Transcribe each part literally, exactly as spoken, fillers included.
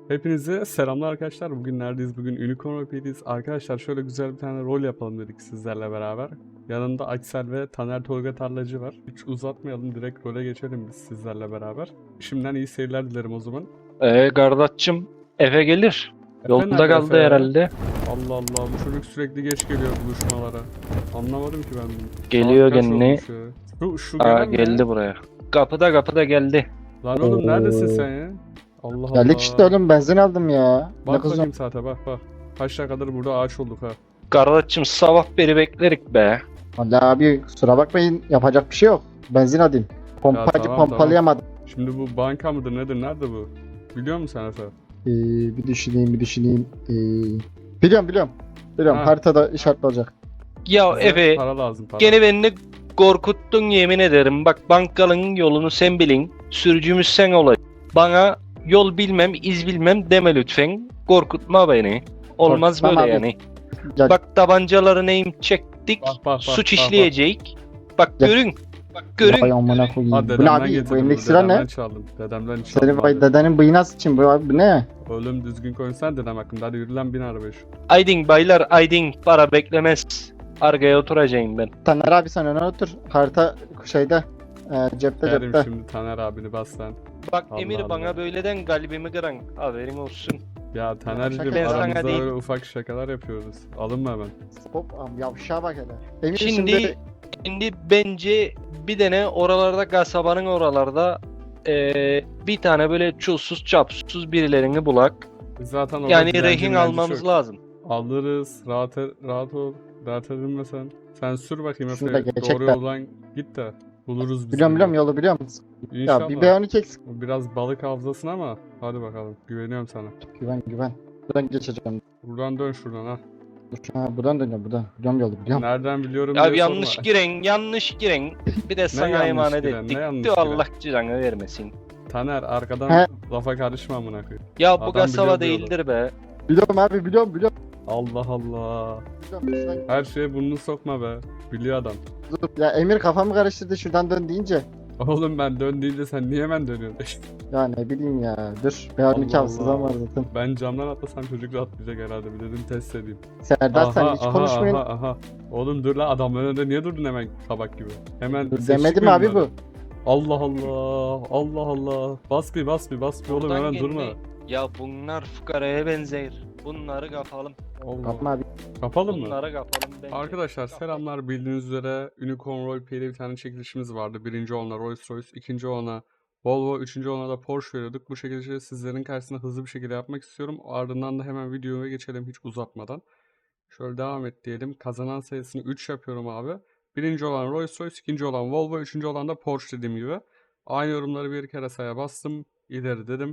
Hepinize selamlar arkadaşlar. Bugün neredeyiz? Bugün Unicorn Roleplay'deyiz. Arkadaşlar şöyle güzel bir tane rol yapalım dedik sizlerle beraber. Yanında Aksel ve Taner Tolga Tarlacı var. Hiç uzatmayalım, direkt role geçelim biz sizlerle beraber. Şimdiden iyi seyirler dilerim o zaman. Ee kardeşim eve gelir. Efe Yolda nerede kaldı Efe? herhalde. Allah Allah, bu çocuk sürekli geç geliyor buluşmalara. Anlamadım ki ben bunu. Geliyor Saat kaç gene. olmuş ya? Şu, şu Aa gelen mi? geldi buraya. Kapıda kapıda geldi. Lan oğlum neredesin Oo. sen ya? Allah Allah. Geldik işte oğlum, benzin aldım ya. Ne Bak kızım? bakayım saate, bak bak. Kaç dakikadır burada ağaç olduk ha. Kardeşim sabah beri beklerik be. Vallahi abi kusura bakmayın, yapacak bir şey yok. Benzin alayım. Pompacı tamam, pompalayamadım. Şimdi bu banka mıdır nedir, nerede bu? Biliyor musun sen Efe? Ee, bir düşüneyim bir düşüneyim. Ee, biliyorum biliyorum. Biliyorum, Ha. haritada işaretli olacak. Ya Bize Efe para lazım, para. gene beni korkuttun yemin ederim. Bak bankalının yolunu sen bilin. Sürücümüz sen olacaksın. Bana yol bilmem iz bilmem deme lütfen. Korkutma beni. Olmaz Korkutmam böyle abi. yani. Gel. Bak tabancaları neyim çektik. Bak, bak, bak, suç bak, işleyecek. Bak Gel. görün. Bak görün. Vay amına koyayım. Ha, Bu ne dedemden abi? Bu getirdim, elindeki bu silah dedemden ne? çaldım. Dedemden çaldım. Senin vay abi. dedenin bıyığına sıçayım. Bu abi bu ne? Oğlum düzgün konuşsana dedem hakkında, hadi yürü lan bin arabaya şu. Aydın baylar aydın para beklemez. Arkaya oturacağım ben. Taner abi sen öne otur. Harita şeyde. E, cepte Derim cepte. şimdi Taner abini bas lan. Bak Allah Emir Allah. bana böyleden kalbimi kıran haberin olsun. Ya Taner'cim şaka yapıyorum. aramızda Sana değil. böyle ufak şakalar yapıyoruz. Alınma hemen. Hop am yavşağa bak hele. Emin Şimdi şimdi şimdi bence bir tane oralarda kasabanın oralarda eee, bir tane böyle çulsuz çapsuz birilerini bulak. Zaten orada Yani dilenci rehin milenci almamız çok. lazım. Alırız. Rahat, e- rahat ol. Rahat edinme sen. Sen sür bakayım Şurada Efe. gerçekten. Doğru yoldan git de buluruz biz. biliyorum bunu. biliyorum yolu biliyorum. İnşallah. Ya bir B on iki eksik. Biraz balık hafızasın ama hadi bakalım. Güveniyorum sana. Güven güven. Buradan geçeceğim. Buradan dön şuradan ha. Dur. Ha buradan dönüyorum buradan. Biliyorum yolu biliyorum. Nereden biliyorum Abi diye yanlış sorma. giren, yanlış giren. Bir de sana yanlış emanet giren, ettik. ne yanlış Diyor giren? Allah ciranı vermesin. Taner arkadan He. lafa karışma amına koyayım. Ya Adam bu kasaba biliyor diyorlar. değildir be. Biliyorum abi biliyorum biliyorum. Allah Allah. biliyorum. Şuradan- Her şeye burnunu sokma be. Biliyor adam. Dur. Ya Emir kafamı karıştırdı şuradan dön deyince. Oğlum ben dön deyince sen niye hemen dönüyorsun? Ya ne bileyim ya. Dur. B on iki Allah hafızam var Allah. zaten. Ben camdan atlasam çocuk rahatlayacak herhalde. Bir dedim test edeyim. Serdar sen hiç konuşmayın. aha, aha. Oğlum dur lan, adamın önünde niye durdun hemen kabak gibi? Hemen Dur, ses demedim çıkmıyor abi bunlara. bu. Allah Allah. Allah Allah. Bas bir bas bir bas bir oğlum, Buradan hemen geldi. durma. Ya bunlar fukaraya benzer. Bunları kapalım. Allah. Yapma abi. Kapalım mı? Bunları kapalım bence. Arkadaşlar selamlar, bildiğiniz üzere Unicorn Roleplay'de bir tane çekilişimiz vardı. Birinci olana Rolls Royce, ikinci olana Volvo, üçüncü olana da Porsche veriyorduk. Bu şekilde sizlerin karşısında hızlı bir şekilde yapmak istiyorum. Ardından da hemen videoya geçelim hiç uzatmadan. Şöyle devam et diyelim. Kazanan sayısını üç yapıyorum abi. Birinci olan Rolls Royce, ikinci olan Volvo, üçüncü olan da Porsche dediğim gibi. Aynı yorumları bir kere saya bastım. İleri dedim.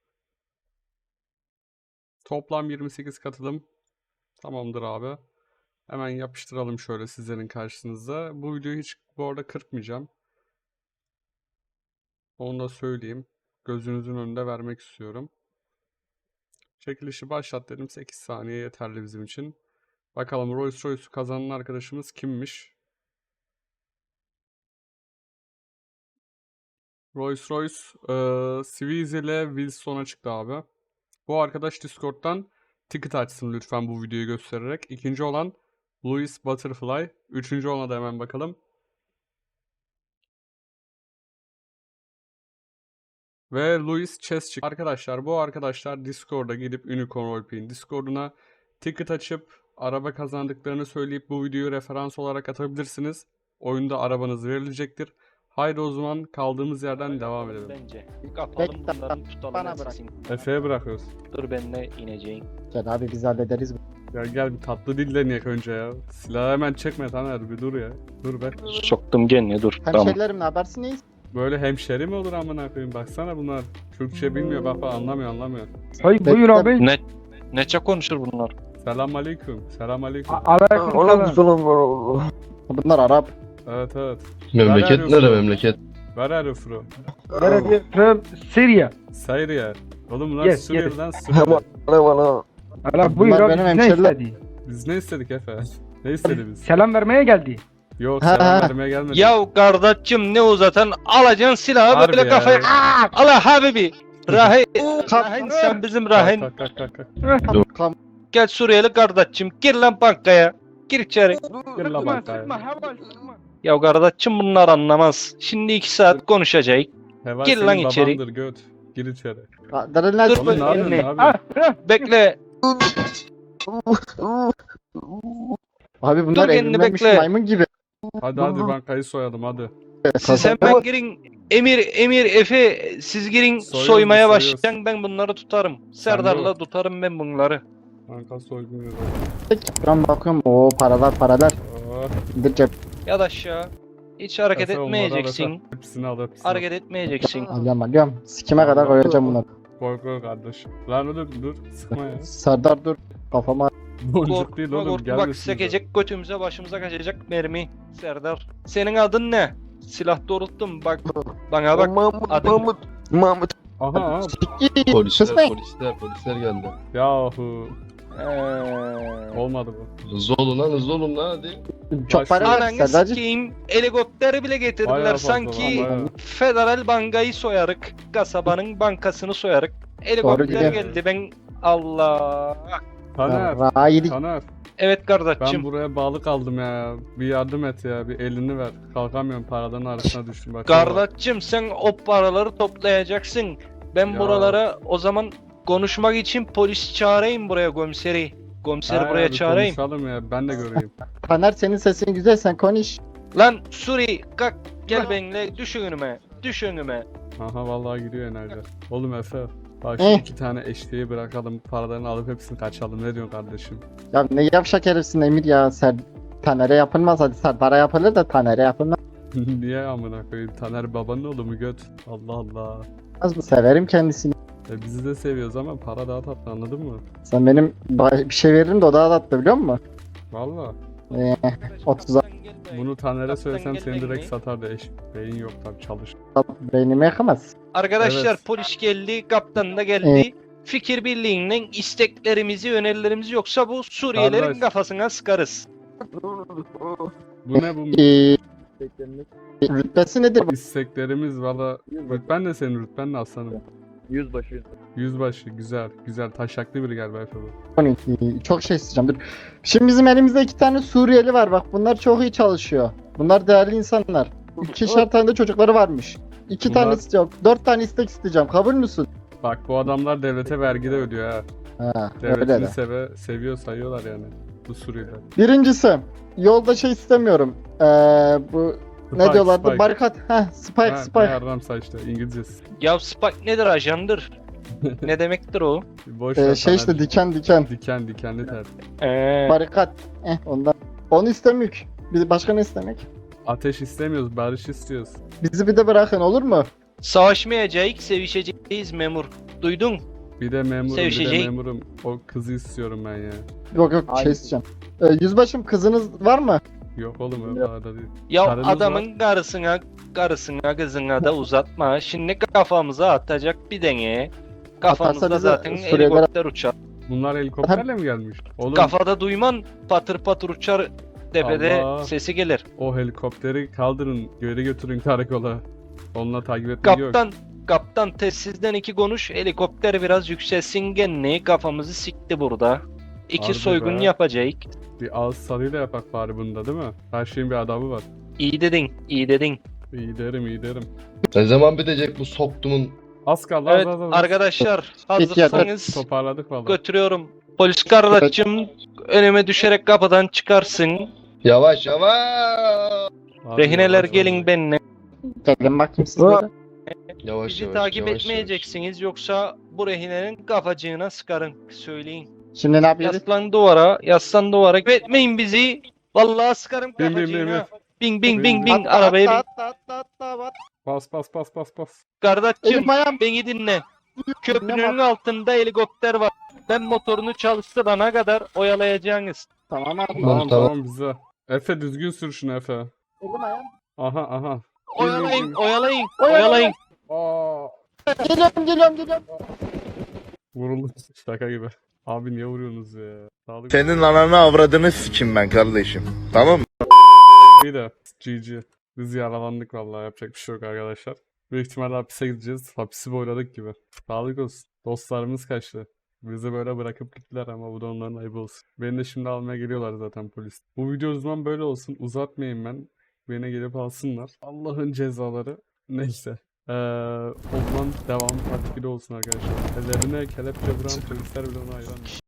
Toplam yirmi sekiz katılım. Tamamdır abi. Hemen yapıştıralım şöyle sizlerin karşınızda. Bu videoyu hiç bu arada kırpmayacağım. Onu da söyleyeyim. Gözünüzün önünde vermek istiyorum. Çekilişi başlat dedim. sekiz saniye yeterli bizim için. Bakalım Rolls Royce'u kazanan arkadaşımız kimmiş? Rolls Royce eee Swiss ile Wilson'a çıktı abi. Bu arkadaş Discord'dan ticket açsın lütfen bu videoyu göstererek. İkinci olan Louis Butterfly. Üçüncü ona da hemen bakalım. Ve Louis Chess çıktı. Arkadaşlar bu arkadaşlar Discord'a gidip Unicorn Roleplay'in Discord'una ticket açıp araba kazandıklarını söyleyip bu videoyu referans olarak atabilirsiniz. Oyunda arabanız verilecektir. Haydi o zaman kaldığımız yerden devam edelim. Bence. Kapalım Bekle, bunları tutalım. bana ben bırak. sesin. Efe'ye bırakıyoruz. Dur ben de ineceğim. Gel abi biz hallederiz. Ya gel bir tatlı dille niyek önce ya. Silahı hemen çekme Taner, bir dur ya. Dur be. Soktum gene dur. Tamam. Hemşerilerim ne habersin neyiz? Böyle hemşeri mi olur amına koyayım, baksana bunlar. Türkçe bilmiyor bak bak, anlamıyor anlamıyor. Hay buyur abi. Ne neçe konuşur bunlar? Selam aleyküm. Selam aleyküm. Aleykümselam. Bunlar Arap. Evet evet. Memleket Helal nere olsun. memleket? Where are you from? Nerede? From Syria. Syria. Oğlum bunlar Yes, Suriye'den Suriye. Ala buyur Bunlar abi benim biz ne hemşeriler. istedi? Biz ne istedik Efe? Ne istedi biz? Selam vermeye geldi. Yok Ha, selam ha. vermeye gelmedik. Ya kardeşim ne uzatan alacaksın silahı Harbi böyle ya. kafaya. Aa, ala habibi. Rahin, Rahin sen bizim Rahin. Kalk kalk kalk kalk. Kam, kam, Gel Suriyeli kardeşim gir lan bankaya. Gir içeri. Gir la Sıkma bankaya. sıkma heval sıkma. Ya kardeşim bunlar anlamaz. Şimdi iki saat konuşacak. Heval Gir senin lan içeri. babandır göt. Gir içeri. Darın Dur Oğlum ne yapıyorsun elini. abi? Ah, ah. Bekle. Abi bunlar Dur kendini evlenmemiş bekle. maymun gibi. Hadi hadi bankayı soyalım hadi. Siz hemen girin. Emir, Emir, Efe siz girin Soyuyoruz, soymaya soyuyoruz. başlayın ben bunları tutarım. Serdar'la tutarım ben bunları. Banka soygun yazalım. Ben bakıyorum o paralar paralar. Oh. Bir cep Yat aşağı. Hiç hareket Efe, onları al, etmeyeceksin. Efe. Hepsini al hepsini al. Hareket etmeyeceksin. alıyorum alıyorum. Sikime kadar koyacağım bunları. Koy koy kardeş. Lan dur dur sıkma ya. Serdar dur. Kafama Boncuk değil Korkma oğlum korkma gel bak üstümüze. sekecek götümüze başımıza kaçacak mermi. Serdar. Senin adın ne? Silah doğrulttum bak. Bana bak. Mahmut, adın- Mahmut, Mahmut. Aha aha. Polisler, Kısmet. polisler, polisler geldi. Yahu. Ee, Olmadı bu. Hızlı olun lan, hızlı olun lan hadi. çok para var Ananı Serdar'cığım. sikeyim. Helikopteri bile getirdiler. Bayağı fazla Sanki lan, bayağı. Federal Bankayı soyarık. Kasabanın bankasını soyarık. Helikopter gidiyor. geldi ben. Allah. Taner. Rahidik. Taner. Evet Ben kardeşim. buraya bağlı kaldım ya. Bir yardım et ya. Bir elini ver. Kalkamıyorum paraların arasına düştüm. Bak, Kardeşim sen o paraları toplayacaksın. Ben Ya. buralara o zaman konuşmak için polis çağırayım buraya komiseri. Komiseri Ha, buraya bir çağırayım. Konuşalım ya. Ben de göreyim. Taner senin sesin güzel sen konuş. Lan Suri kalk gel benimle düş önüme. Düş önüme. Aha vallahi gidiyor enerji. Oğlum Efe. Bak şu Eh. iki tane eşliği bırakalım. Paralarını alıp hepsini kaçalım. Ne diyorsun kardeşim? Ya ne yavşak herifsin Emir ya. Ser Taner'e yapılmaz hadi Serdar'a yapılır da Taner'e yapılmaz Niye amına koyayım? Taner babanın oğlu mu göt? Allah Allah. mı? Severim kendisini. E bizi de seviyoruz ama para daha tatlı anladın mı? Sen benim ba- bir şey veririm de o daha tatlı biliyor musun? Valla. Ee, otuza Bunu Taner'e Kaptan söylesem gel seni benimle. direkt satardı eş. Beyin yok tabi çalış. beynimi yakamaz. Arkadaşlar Evet. polis geldi, kaptan da geldi. Fikir birliğinden isteklerimizi, önerilerimizi yoksa bu Suriyelilerin Kardeş. kafasına sıkarız. Bu ne bu? Ee, rütbesi nedir bu? İsteklerimiz valla. Rütben de senin rütben de aslanım. Yüzbaşı. Yüzbaşı güzel güzel taşaklı biri galiba Efe bu. on iki. Çok şey isteyeceğim dur. Şimdi bizim elimizde iki tane Suriyeli var bak bunlar çok iyi çalışıyor. Bunlar değerli insanlar. İkişer tane de çocukları varmış. İki Bunlar- tane istiyorum. Dört tane istek isteyeceğim. Kabul müsün? Bak bu adamlar devlete vergi de ödüyor ha. Ha, öyle Devletini de. seve, seviyor sayıyorlar yani. Bu Suriyeliler. Birincisi yolda şey istemiyorum. Ee, bu ne Spike, diyorlardı? Spike. Barikat. Heh, Spike, Ha, ne Spike. yaramsa işte İngilizcesi. Ya Spike nedir ajandır? Ne demektir o? Boş Ee, ver şey işte Taner'cim. diken diken. Diken dikenli ter. Ee, Barikat. Eh ondan. Onu istemiyor. Bir başka ne istemek? Ateş istemiyoruz, barış istiyoruz. Bizi bir de bırakın olur mu? savaşmayacağız, sevişeceğiz memur. Duydun? Bir de memurum, bir de Sevişecek. memurum. O kızı istiyorum ben ya. Yok yok Hayır. şey isteyeceğim. Ee, yüzbaşım kızınız var mı? Yok oğlum öyle arada değil. Ya Karınız adamın karısına, karısına, kızına da uzatma. Şimdi kafamıza atacak bir denge. Kafamızda bize zaten Suriyeliler- helikopter uçar. Bunlar helikopterle mi gelmiş? Oğlum Kafada duyman patır patır uçar tepede Allah. sesi gelir. o helikopteri kaldırın, geri götürün karakola. Onunla takip etmek yok. Kaptan, kaptan telsizden iki konuş. Helikopter biraz yükselsin genli. Kafamızı sikti burada. İki Harbi soygun be. yapacak. Bir ağız sarıyla yapak bari bunda değil mi? Her şeyin bir adabı var. İyi dedin, iyi dedin. İyi derim, iyi derim. Ne zaman bitecek bu soktumun? Az kaldı, Evet az az az. arkadaşlar Peki, hazırsanız Toparladık valla. götürüyorum. Polis kardeşim önüme düşerek kapıdan çıkarsın. Yavaş yavaş. Abi Rehineler yavaş gelin ol. benimle. Gelin bakayım siz böyle. Yavaş Bizi yavaş. takip yavaş, etmeyeceksiniz yoksa bu rehinenin kafacığına sıkarım. Söyleyin. Şimdi ne yapıyoruz? Yaslan duvara, yaslan duvara. Etmeyin bizi. Vallahi sıkarım Bin, bin, bin, kafacığına. bin. Bin bin bin Bin, bin arabaya bin. Atla atla atla atla. Bas bas bas bas bas. Kardeşim Elim ayağım. beni dinle. Köprünün altında helikopter var. Ben motorunu çalıştırana kadar oyalayacaksınız. Tamam abi. Tamam tamam. tamam bize. Efe düzgün sür şunu Efe. Elim ayağım. Aha aha. Oyalayın, oyalayın, Oyalayın. oyalayın. Aa. Geliyorum geliyorum geliyorum. Vuruldu şaka gibi. Abi niye vuruyorsunuz ya? Sağlık. Senin ananı avradını sikim ben kardeşim. Tamam mı? Bir de G G. Biz yaralandık vallahi yapacak bir şey yok arkadaşlar. Büyük ihtimalle hapise gideceğiz. Hapisi boyladık gibi. Sağlık olsun. Dostlarımız kaçtı. Bizi böyle bırakıp gittiler ama bu da onların ayıbı olsun. Beni de şimdi almaya geliyorlar zaten polis. Bu video o zaman böyle olsun. Uzatmayayım ben. Beni gelip alsınlar. Allah'ın cezaları. Neyse. Ee, o zaman devam takipte olsun arkadaşlar. Ellerine kelepçe vuran polisler bile ona hayran.